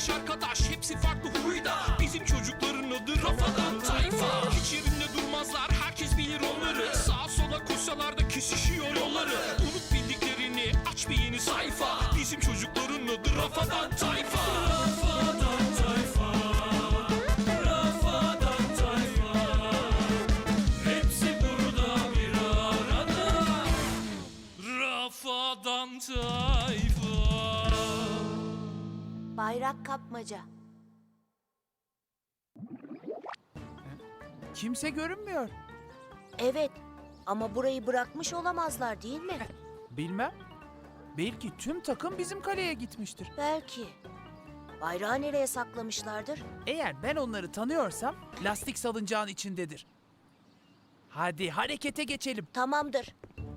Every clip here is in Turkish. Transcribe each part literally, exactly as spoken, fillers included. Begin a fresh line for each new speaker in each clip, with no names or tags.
beş arkadaş, hepsi farklı huyda. Bizim çocukların adı Rafadan Tayfa. Hiç yerinde durmazlar, herkes bilir onları. Sağa sola koşsalar da kesişiyor yolları. Unut bildiklerini, aç bir yeni sayfa. Bizim çocukların adı Rafadan Tayfa. Rafadan Tayfa, Rafadan Tayfa. Hepsi burada bir arada. Rafadan Tayfa.
Bayrak kapmaca.
Kimse görünmüyor.
Evet ama burayı bırakmış olamazlar değil mi?
Bilmem. Belki tüm takım bizim kaleye gitmiştir.
Belki. Bayrağı nereye saklamışlardır?
Eğer ben onları tanıyorsam lastik salıncağın içindedir. Hadi harekete geçelim.
Tamamdır.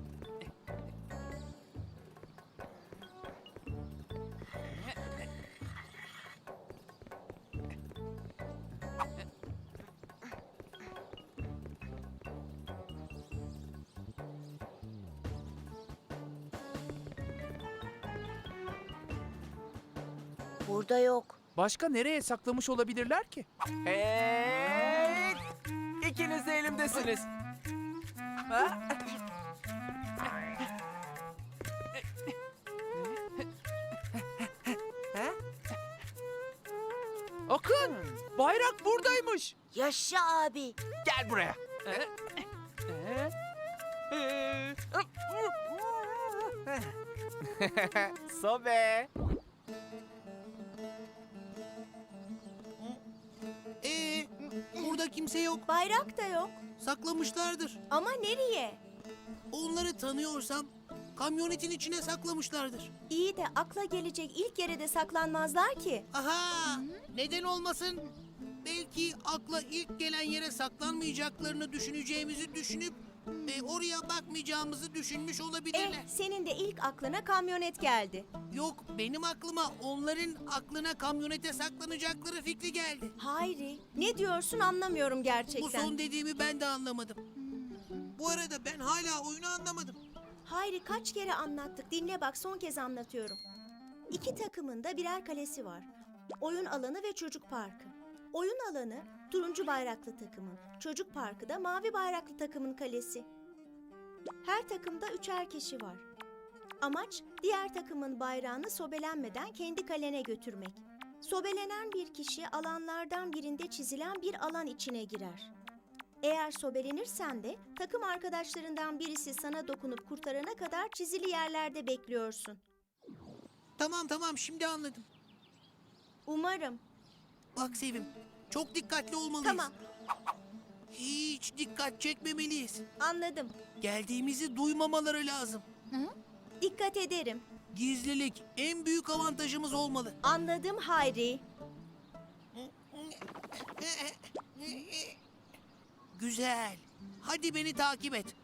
Burada yok.
Başka nereye saklamış olabilirler ki?
Evet. İkiniz de elimdesiniz. Ha? Ha?
Akın! Bayrak buradaymış.
Yaşa abi.
Gel buraya. Sobe.
Ee, burada kimse yok.
Bayrak da yok.
Saklamışlardır.
Ama nereye?
Onları tanıyorsam kamyonetin içine saklamışlardır.
İyi de akla gelecek ilk yere de saklanmazlar ki.
Aha! Neden olmasın? Belki akla ilk gelen yere saklanmayacaklarını düşüneceğimizi düşünüp e, oraya bakmayacağımızı düşünmüş olabilirler.
Eh, senin de ilk aklına kamyonet geldi.
Yok, benim aklıma onların aklına kamyonete saklanacakları fikri geldi.
Hayri, ne diyorsun anlamıyorum
Bu
gerçekten.
son dediğimi ben de anlamadım. Bu arada ben hala oyunu anlamadım.
Hayri kaç kere anlattık. Dinle bak son kez anlatıyorum. İki takımın da birer kalesi var. Oyun alanı ve çocuk parkı. Oyun alanı turuncu bayraklı takımın, çocuk parkı da mavi bayraklı takımın kalesi. Her takımda üçer kişi var. Amaç diğer takımın bayrağını sobelenmeden kendi kalene götürmek. Sobelenen bir kişi alanlardan birinde çizilen bir alan içine girer. Eğer sobelenirsen de takım arkadaşlarından birisi sana dokunup kurtarana kadar çizili yerlerde bekliyorsun.
Tamam tamam, şimdi anladım.
Umarım.
Bak Sevim, çok dikkatli olmalıyız.
Tamam,
Hiç dikkat çekmemeliyiz.
anladım.
Geldiğimizi duymamaları lazım.
Dikkat ederim.
Gizlilik en büyük avantajımız olmalı.
Anladım Hayri.
Güzel. Hadi beni takip et.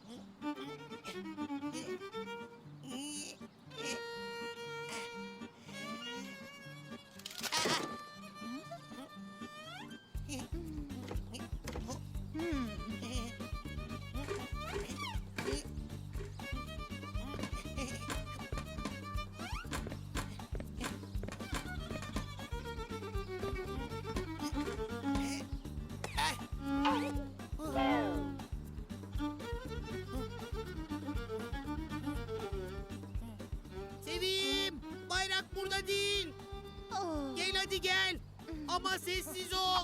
Sevim, bayrak burada değil. Gel hadi gel. Ama sessiz ol.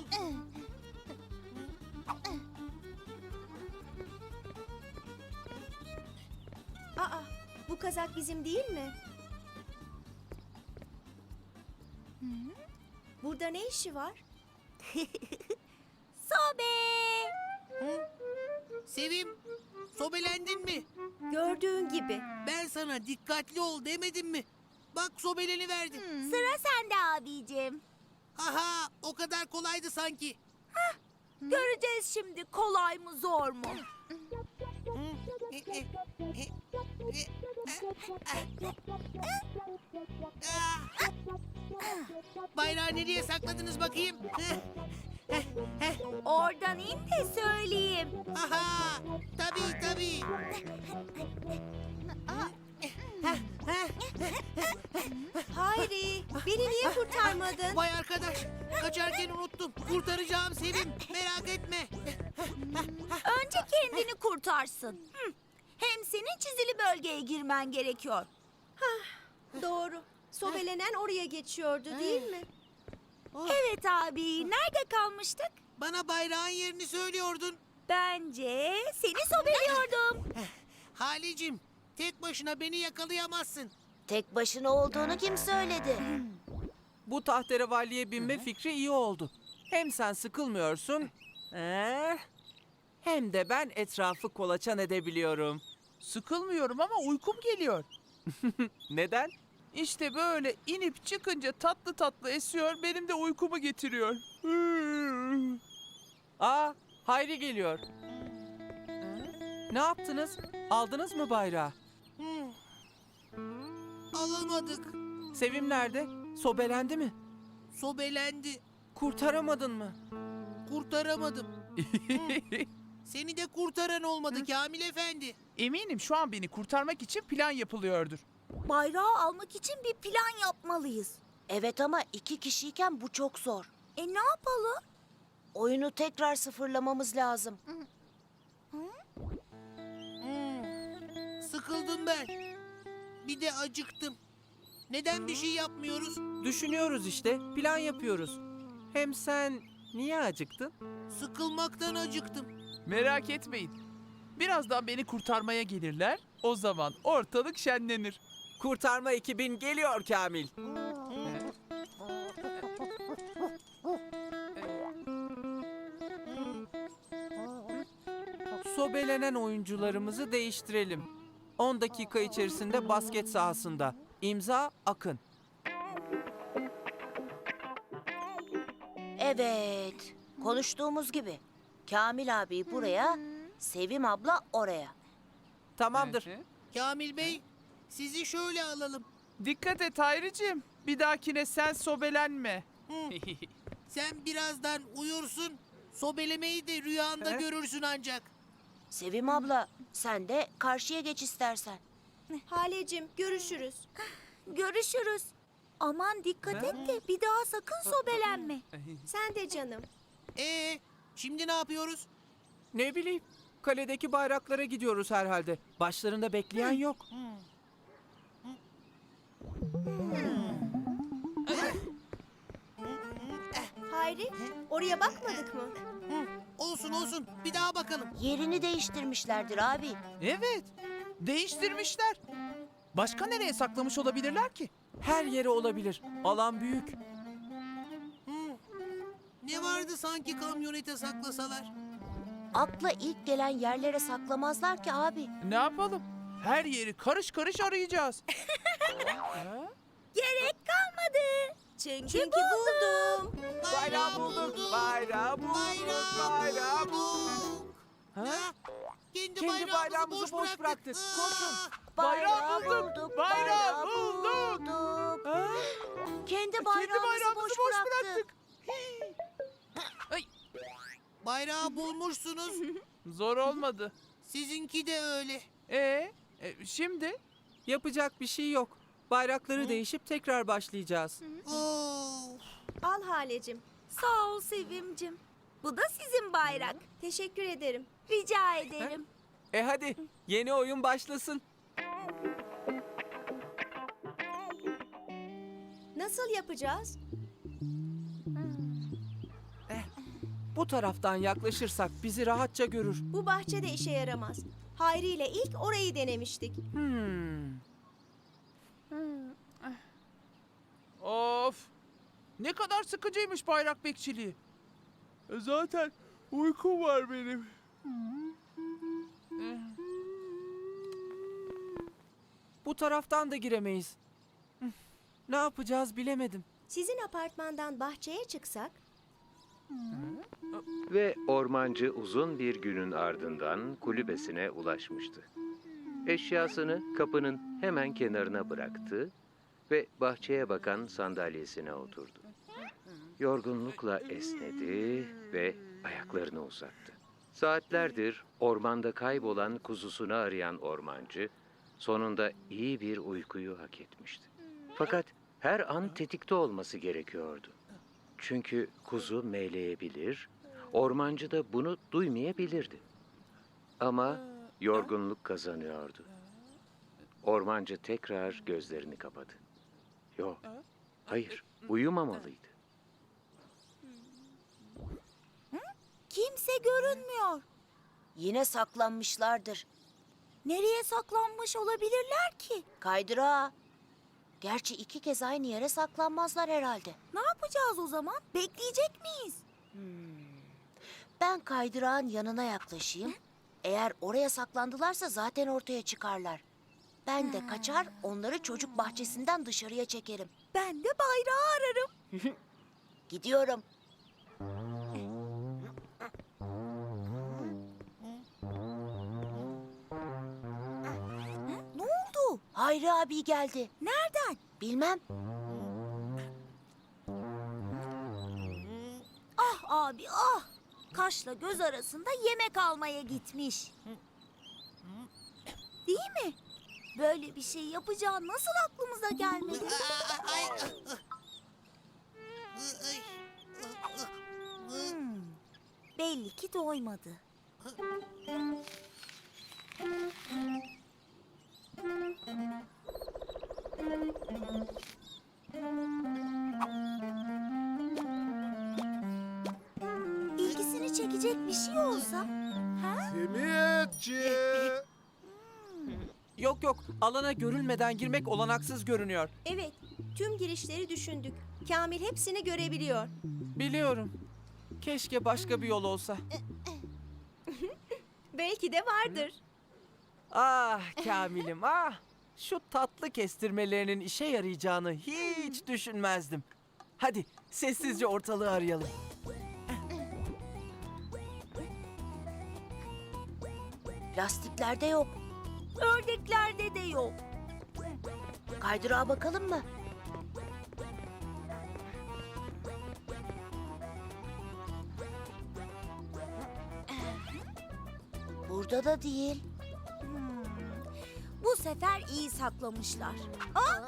Aa, bu kazak bizim değil mi? Burada ne işi var? Sobe!
Sevim, sobelendin mi?
Gördüğün gibi.
Ben sana dikkatli ol demedim mi? Bak sobeleni verdim.
Sıra sende abicim.
Aha, o kadar kolaydı sanki.
Göreceğiz şimdi kolay mı zor mu?
Bayrağı nereye sakladınız bakayım?
Oradan in de söyleyeyim.
Aha, tabii tabii.
Hayri, beni niye kurtarmadın?
Vay arkadaş, kaçarken unuttum. Kurtaracağım Sevim, merak etme.
Önce kendini kurtarsın. Hı. Hem senin çizili bölgeye girmen gerekiyor.
Doğru. Sobelenen oraya geçiyordu değil mi?
Evet abi, nerede kalmıştık?
Bana bayrağın yerini söylüyordun.
Bence seni sobeliyordum.
Halicim, tek başına beni yakalayamazsın.
Tek başına olduğunu kim söyledi?
Bu tahterevalliye binme fikri iyi oldu. Hem sen sıkılmıyorsun, ee, hem de ben etrafı kolaçan edebiliyorum.
Sıkılmıyorum ama uykum geliyor.
Neden?
İşte böyle inip çıkınca tatlı tatlı esiyor, benim de uykumu getiriyor.
Aa, Hayri geliyor. Ne yaptınız? Aldınız mı bayrağı?
Alamadık,
Sevim nerede? Sobelendi mi?
sobelendi.
Kurtaramadın mı?
Kurtaramadım. Seni de kurtaran olmadı Kamil Efendi.
Eminim şu an beni kurtarmak için plan yapılıyordur.
Bayrağı almak için bir plan yapmalıyız.
Evet ama iki kişiyken bu çok zor.
E ne yapalım?
Oyunu tekrar sıfırlamamız lazım.
Sıkıldım ben. Bir de acıktım. Neden bir şey yapmıyoruz?
Düşünüyoruz işte, plan yapıyoruz. Hem sen niye acıktın?
Sıkılmaktan acıktım.
Merak etmeyin. Birazdan beni kurtarmaya gelirler. O zaman ortalık şenlenir.
Kurtarma ekibin geliyor Kamil. Sobelenen oyuncularımızı değiştirelim. on dakika içerisinde basket sahasında. İmza Akın.
Evet. Konuştuğumuz gibi. Kamil abi buraya, Sevim abla oraya.
Tamamdır.
Kamil Bey, sizi şöyle alalım.
Dikkat et Hayricim. Bir dahakine sen sobelenme.
Sen birazdan uyursun, sobelemeyi de rüyanda
He?
görürsün ancak.
Sevim abla sen de karşıya geç istersen.
Halecim, görüşürüz.
Görüşürüz. Aman dikkat et de bir daha sakın sobelenme.
Sen de canım.
Ee, şimdi ne yapıyoruz?
Ne bileyim, kaledeki bayraklara gidiyoruz herhalde. Başlarında bekleyen yok.
Hayri, oraya bakmadık mı?
Olsun olsun, bir daha bakalım.
Yerini değiştirmişlerdir abi.
Evet. Değiştirmişler. Başka nereye saklamış olabilirler ki?
Her yere olabilir. Alan büyük.
Ne vardı sanki kamyonete saklasalar?
Akla ilk gelen yerlere saklamazlar ki abi.
Ne yapalım? Her yeri karış karış arayacağız.
Gerek kalmadı. Çünkü,
Çünkü buldum.
Bayrağı bulduk. Bayrağı bulduk.
Bayrağı
Bayrağı bulduk.
bulduk.
Ha?
Kendi,
Kendi
bayrağımızı,
bayrağımızı
boş,
boş
bıraktık.
bıraktık. Koşun.
Bayrağı bulduk, bayrağı bulduk.
bulduk.
Ha?
Kendi bayrağımızı,
Kendi bayrağımızı
boş,
boş
bıraktık.
bıraktık. Ay,
Bayrağı bulmuşsunuz.
zor olmadı.
Sizinki de öyle.
Ee, e, şimdi
Yapacak bir şey yok. Bayrakları değişip tekrar başlayacağız.
Oo.
Al Halecim.
Sağ ol Sevimcim. Bu da sizin bayrak.
Teşekkür ederim.
Rica ederim.
E hadi yeni oyun başlasın.
Nasıl yapacağız?
Bu taraftan yaklaşırsak bizi rahatça görür.
Bu bahçede işe yaramaz. Hayri ile ilk orayı denemiştik.
Hmm.
of. Ne kadar sıkıcıymış bayrak bekçiliği. E, Zaten uykum var benim.
Bu taraftan da giremeyiz. Hı. Ne yapacağız bilemedim.
Sizin apartmandan bahçeye çıksak,
Ve ormancı uzun bir günün ardından kulübesine ulaşmıştı. Eşyasını kapının hemen kenarına bıraktı ve bahçeye bakan sandalyesine oturdu. Yorgunlukla esnedi ve ayaklarını uzattı. Saatlerdir ormanda kaybolan kuzusunu arayan ormancı, sonunda iyi bir uykuyu hak etmişti. Fakat her an tetikte olması gerekiyordu. Çünkü kuzu meyleyebilir, ormancı da bunu duymayabilirdi. Ama yorgunluk kazanıyordu. Ormancı tekrar gözlerini kapadı. Yok, hayır, uyumamalıydı.
Kimse görünmüyor.
Yine saklanmışlardır.
Nereye saklanmış olabilirler ki?
Kaydırağa. Gerçi iki kez aynı yere saklanmazlar herhalde.
Ne yapacağız o zaman? Bekleyecek miyiz?
Ben kaydırağın yanına yaklaşayım. Eğer oraya saklandılarsa zaten ortaya çıkarlar. Ben de kaçar, onları çocuk bahçesinden dışarıya çekerim.
Ben de bayrağı ararım.
Gidiyorum.
Ne oldu?
Hayri abi geldi.
Nereden?
Bilmem.
Ah abi ah. Kaşla göz arasında yemek almaya gitmiş. Değil mi? Böyle bir şey yapacağı nasıl aklımıza gelmedi?
Ay, ay, ay.
Hmm, belli ki doymadı. İlgisini çekecek bir şey olsa? Ha?
Simiyetçi.
Yok yok, alana görülmeden girmek olanaksız görünüyor.
Evet, tüm girişleri düşündük. Kamil hepsini görebiliyor.
Biliyorum. Keşke başka bir yol olsa.
Belki de vardır.
Ah Kamil'im ah. Şu tatlı kestirmelerinin işe yarayacağını hiç düşünmezdim. Hadi sessizce ortalığı arayalım.
Lastiklerde yok.
Ördeklerde de yok.
Kaydırağa bakalım mı? Burada da değil.
Hmm, bu sefer iyi saklamışlar. Ah!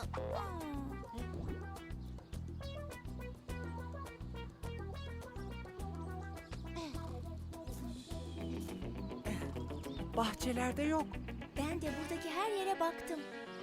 Bahçelerde yok.
Ben de buradaki her yere baktım.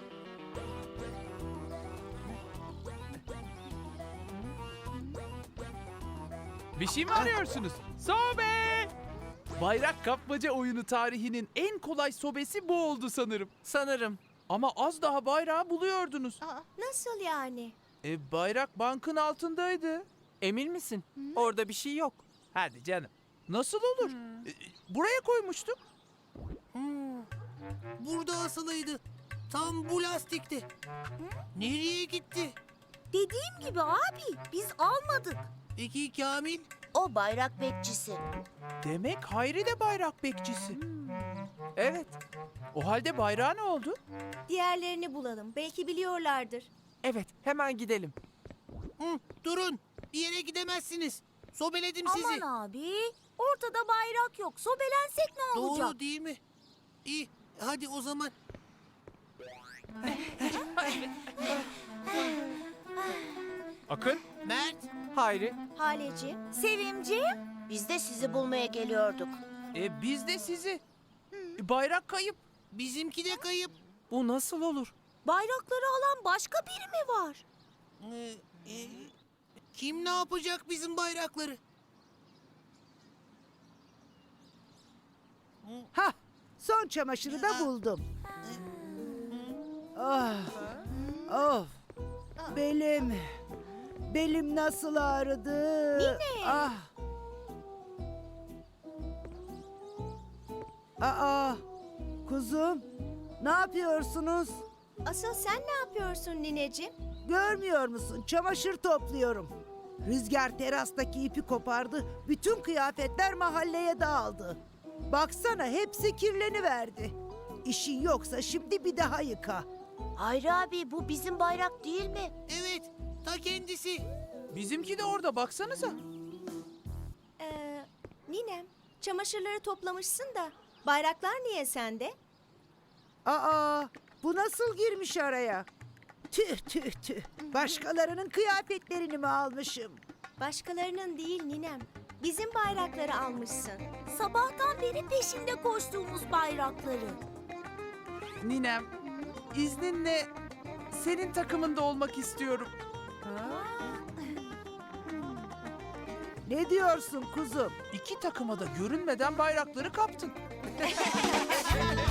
Bir şey mi arıyorsunuz? Sobe! Bayrak kapmaca oyunu tarihinin en kolay sobesi bu oldu sanırım.
Sanırım.
Ama az daha bayrağı buluyordunuz.
Nasıl yani?
E, bayrak bankın altındaydı.
Emin misin? Orada bir şey yok.
Hadi canım. Nasıl olur? E, buraya koymuştuk.
Burada asılıydı. Tam bu lastikti. Nereye gitti?
Dediğim gibi abi biz almadık.
Peki Kamil?
O bayrak bekçisi.
Demek Hayri de bayrak bekçisi.
Evet.
O halde bayrağı ne oldu?
Diğerlerini bulalım. Belki biliyorlardır.
Evet, hemen gidelim.
Hı, durun. Bir yere gidemezsiniz. Sobeledim sizi.
Aman abi ortada bayrak yok. Sobelensek ne olacak?
Doğru değil mi? İyi. Hadi o zaman.
Akın.
Mert.
Hayri.
Haleci,
Sevimciğim.
Biz de sizi bulmaya geliyorduk.
E, biz de sizi. E, bayrak kayıp.
Bizimki de kayıp.
Bu nasıl olur?
Bayrakları alan başka biri mi var?
Ee, e, kim ne yapacak bizim bayrakları?
Hah, son çamaşırı da buldum. Ah, of, belim, belim nasıl ağrıdı.
Nine.
Ah. Aa, kuzum, ne yapıyorsunuz?
asıl sen ne yapıyorsun nineciğim?
Görmüyor musun? Çamaşır topluyorum. Rüzgar terastaki ipi kopardı. Bütün kıyafetler mahalleye dağıldı. Baksana hepsi kirleniverdi. İşin yoksa şimdi bir daha yıka.
Hayri abi bu bizim bayrak değil mi?
Evet. Ta kendisi.
Bizimki de orada baksanıza.
Ee, ninem, çamaşırları toplamışsın da bayraklar niye sende?
Aa, Bu nasıl girmiş araya? Tüh tüh tüh. Başkalarının kıyafetlerini mi almışım?
Başkalarının değil ninem. Bizim bayrakları almışsın.
Sabahtan beri peşinde koştuğumuz bayrakları.
Ninem, izninle senin takımında olmak istiyorum.
Ne diyorsun kuzum?
İki takıma da görünmeden bayrakları kaptın.